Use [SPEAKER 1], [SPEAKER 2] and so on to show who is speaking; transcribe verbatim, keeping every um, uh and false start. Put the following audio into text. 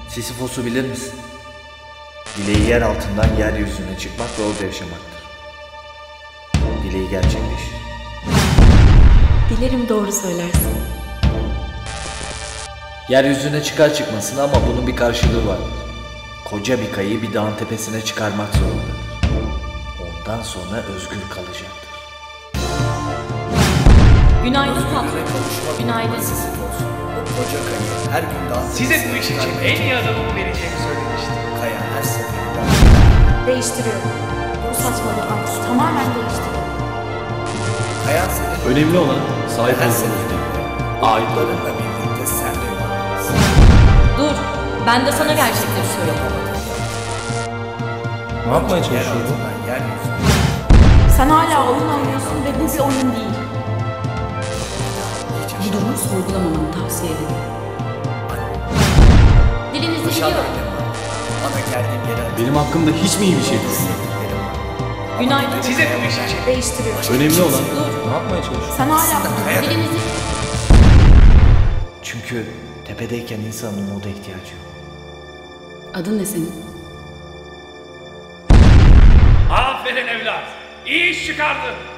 [SPEAKER 1] Sisyphos'u bilir misin? Dileği yer altından yeryüzüne çıkmak ve orada yaşamaktır. Dileği gerçekleşir.
[SPEAKER 2] Dilerim doğru söylersin.
[SPEAKER 1] Yeryüzüne çıkar çıkmasına ama bunun bir karşılığı vardır. Koca bir kayayı bir dağın tepesine çıkarmak zorundadır. Ondan sonra özgür kalacaktır.
[SPEAKER 2] Günaydın patron. Günaydın.
[SPEAKER 1] O koca kayayı her gün dağın
[SPEAKER 3] Size bu iş için en iyi adamımı vereceğimi söylemiştim.
[SPEAKER 1] Kaya her seferinde
[SPEAKER 2] Değiştiriyorum. Bu saçmalık artık tamamen değiştiriyorum.
[SPEAKER 1] Kaya senin
[SPEAKER 4] Önemli olan sahip
[SPEAKER 1] her
[SPEAKER 4] olduğunuz
[SPEAKER 1] seferinde
[SPEAKER 4] ait olan.
[SPEAKER 1] umutlarınla birlikte sen de varlıksın.
[SPEAKER 2] Dur. Ben de sana gerçekleri söyleyeyim.
[SPEAKER 4] Ne yapmaya
[SPEAKER 1] Yer
[SPEAKER 4] çalışıyorsun?
[SPEAKER 1] altından yeryüzüne
[SPEAKER 2] Sen hala oyun oynuyorsun ve bu bir oyun değil. Bu durumu sorgulamamanı tavsiye ederim. Dilinizi
[SPEAKER 1] Paşam
[SPEAKER 2] biliyorum.
[SPEAKER 1] öyle var. Bana geldiğim yere
[SPEAKER 4] Benim hakkımda hiç mi iyi bir şey düşünüyorsun?
[SPEAKER 1] sevdiklerim var.
[SPEAKER 2] Günaydın.
[SPEAKER 3] Size bu iş için
[SPEAKER 2] Değiştiriyorum.
[SPEAKER 4] Önemli olan
[SPEAKER 2] Dur.
[SPEAKER 4] ne yapmaya çalışıyorsun?
[SPEAKER 2] Sen hala dilinizi...
[SPEAKER 1] Çünkü tepedeyken insanın umuda ihtiyacı yok.
[SPEAKER 2] Adın ne senin?
[SPEAKER 3] aferin evlat. İyi iş çıkardın.